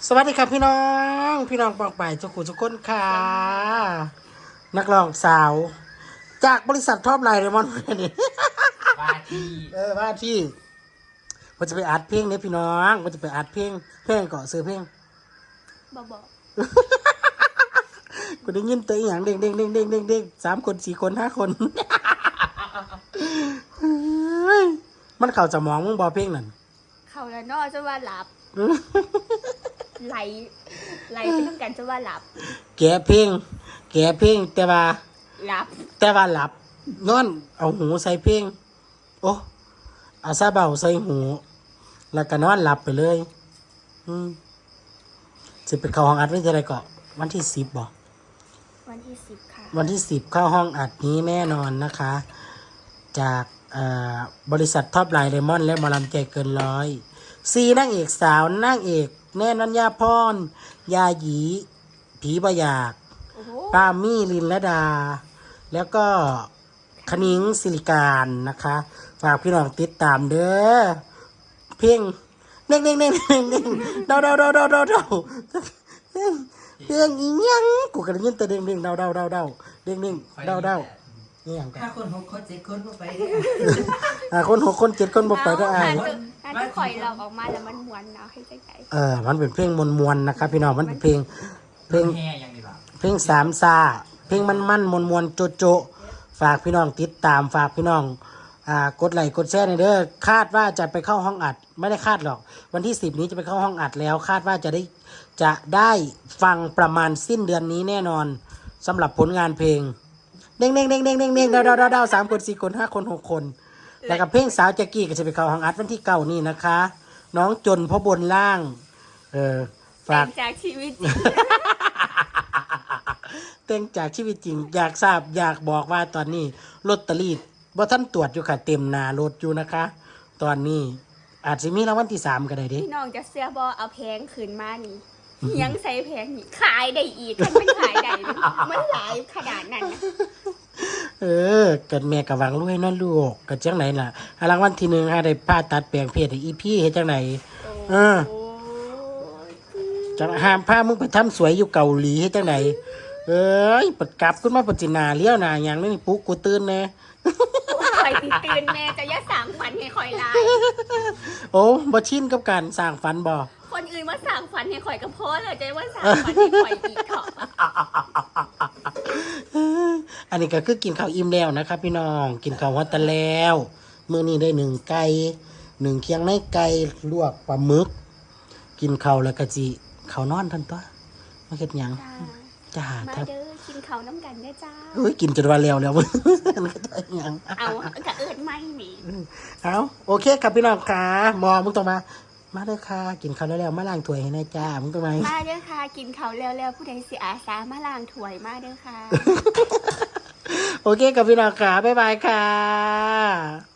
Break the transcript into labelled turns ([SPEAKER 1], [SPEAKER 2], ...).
[SPEAKER 1] สวัสดีครับพี่น้องปองไปทุกคนค่ะนักร้องสาวจากบริษัทท็อปไลน์เรมอนนี่
[SPEAKER 2] ว่าที่
[SPEAKER 1] ว่าที่มันจะไปอัดเพลงเนี่ยพี่น้องมันจะไปอัดเพลงเกาะซื้อเพลง
[SPEAKER 3] บอก
[SPEAKER 1] กูได้ยินตัวอย่างเด้ง3 คน 4 คน 5 คนมันเข้าจะมองมึงบอเพลงนั่น
[SPEAKER 3] เขาแล้วนอจะว่าหลับไหลไปต้องการจะว่าหลับ
[SPEAKER 1] แกเพลงแต่ว่า
[SPEAKER 3] หลับ
[SPEAKER 1] หลับนอนเอาหูใส่เพลงโอ้เอาซาเบาใส่หูแล้วก็นอนหลับไปเลยจะไปเข้าห้องอัดวันที่อะไรก็วันที่10บอก
[SPEAKER 3] วันที่10ค่ะ
[SPEAKER 1] วันที่10เข้าห้องอัดนี้แน่นอนนะคะจากบริษัทท็อปไลน์เรมอนและหมอลำใจเกินร้อย4นางเอกสาวนางเอกแน่นัญญาพรยาหยีผีบอยากปามี่ลินละดาแล้วก็คณิ้งศิริการนะคะฝากพี่น้องติดตามเด้อเพลงเน่งเดาเพลงอีหยังกูก็ได้ยินแต่เด้งเดานี่อย่างกัน
[SPEAKER 2] 5 คน 6 คน 7 คนบ่ไป
[SPEAKER 1] คน 6 คน 7 คนบ่ไปได้
[SPEAKER 3] อ่านที่ข่อยเราออกมาแล้วมันม้วนเนาะให้ใจ
[SPEAKER 1] มันเป็นเพลงมวลๆนะครับพี่น้องมันเป็นเพลง
[SPEAKER 2] แห่อย่างนี้ป่ะ
[SPEAKER 1] เพลงสามซาเพลงมันมวลโจฝากพี่น้องติดตามฝากพี่น้องกดไลค์กดแชร์หน่อยเด้อคาดว่าจะไปเข้าห้องอัดไม่ได้คาดหรอกวันที่10นี้จะไปเข้าห้องอัดแล้วคาดว่าจะได้ฟังประมาณสิ้นเดือนนี้แน่นอนสำหรับผลงานเพลงเด้งเดา3 คน 4 คน 5 คน 6 คนแล้วกับเพลงสาวแจ็กกี้ก็จะไปเข้าห้องอัดวันที่9นี่นะคะน้องจนพ่อบนล่าง
[SPEAKER 3] ฝากจากชีวิตจริง
[SPEAKER 1] เต้งจากชีวิตจริงอยากทราบอยากบอกว่าตอนนี้ลอตเตอรี่บ่ท่านตรวจอยู่ค่ะเต็มหน้ารถอยู่นะคะตอนนี้อาจจะมีรางวัลที่3ก็ได้ดิ
[SPEAKER 3] พี่น้องจะเสื้อบอเอาแพงคืนมานี่ยังใส่แพงนี่ขายได้อีกมันไม่ขายได้มันหลายขนาดนั้น
[SPEAKER 1] กันแม่กะวังรวยนั่นลูกกันจังไหนล่ะรางวัลที่1ได้ผ่าตัดแปลงเพศให้อีพี่เฮ็ดจังไหนจะห้ามพามึงไปทำสวยอยู่เกาหลีเฮ็ดจังไหนปัดกลับขึ้นมาปัจจินาเลี้ยวหน้าอย่างนี้ปุ๊กกูตื่นแน่
[SPEAKER 3] คอยตื่นแม่จะอย่าสั่งฝันให้คอยลาย
[SPEAKER 1] โอ้บ่ชินกับการสร้างฝันบ่
[SPEAKER 3] คนอื่นมาสั่งฝันให้คอยกับพ่อเลยใจว่าสั่งฝันให้คอยอีกเถอะ
[SPEAKER 1] อันนี้ก็คือกินข้าวอิ่มแล้วนะครับพี่น้องกินข้าวฮอตแล้วมื้อนี้ได้1 ไก่1 เคียงในไก่ลวกปลาหมึกกินข้าวแล้วก็จิข้าวนอนทันตัวมาเฮ็ดหยังจ้า
[SPEAKER 3] มาเด้อกินข้าวน้ำกันได้จ้า
[SPEAKER 1] กินจนว่าแล้วมึง
[SPEAKER 3] เอากะเอิดไม่หนี
[SPEAKER 1] เอาโอเคครับพี่น้องค่ะมอมึงต้องมาเด้อค่ะกินข้าวแล้วมาล้างถ้วยให้นายจ้ามึงต้องมา
[SPEAKER 3] เด้อค่ะกินข้าวแล้วผู้ใดสิอาสามาล้างถ้วยมาเด้อค่ะ
[SPEAKER 1] โอเคกับพี่น้องค่ะบ๊ายบายค่ะ